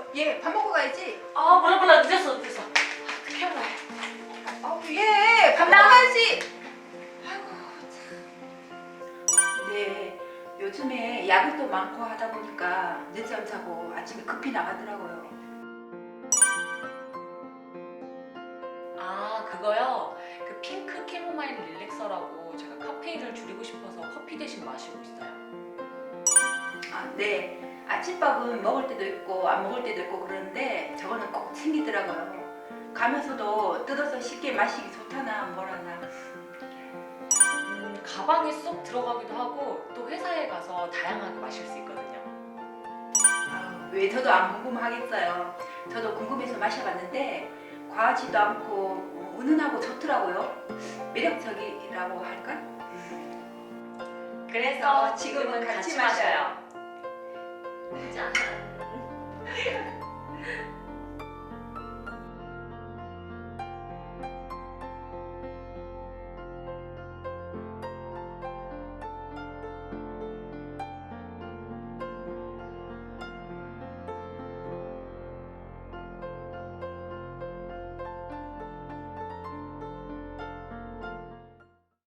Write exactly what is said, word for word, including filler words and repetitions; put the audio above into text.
얘 밥 먹고 가야지. 아 몰라 몰라 늦었어 늦었어. 아, 어떡해 몰라. 아우 얘밥 먹고 가야지. 아이고 참. 네 요즘에 야근도 많고 하다 보니까 늦잠 자고 아침에 급히 나가더라고요. 아 그거요? 그 핑크 캐모마일 릴렉서라고 제가 카페인을 줄이고 싶어서 커피 대신 마시고 있어요. 아, 네. 아침밥은 먹을 때도 있고 안 먹을 때도 있고 그러는데 저거는 꼭 챙기더라고요. 가면서도 뜯어서 쉽게 마시기 좋다나 뭐라나. 음, 가방에 쏙 들어가기도 하고 또 회사에 가서 다양하게 마실 수 있거든요. 아, 왜 저도 안 궁금하겠어요. 저도 궁금해서 마셔봤는데 과하지도 않고 어, 은은하고 좋더라고요. 매력적이라고 할까? 그래서 지금은 같이 마셔요. 짠.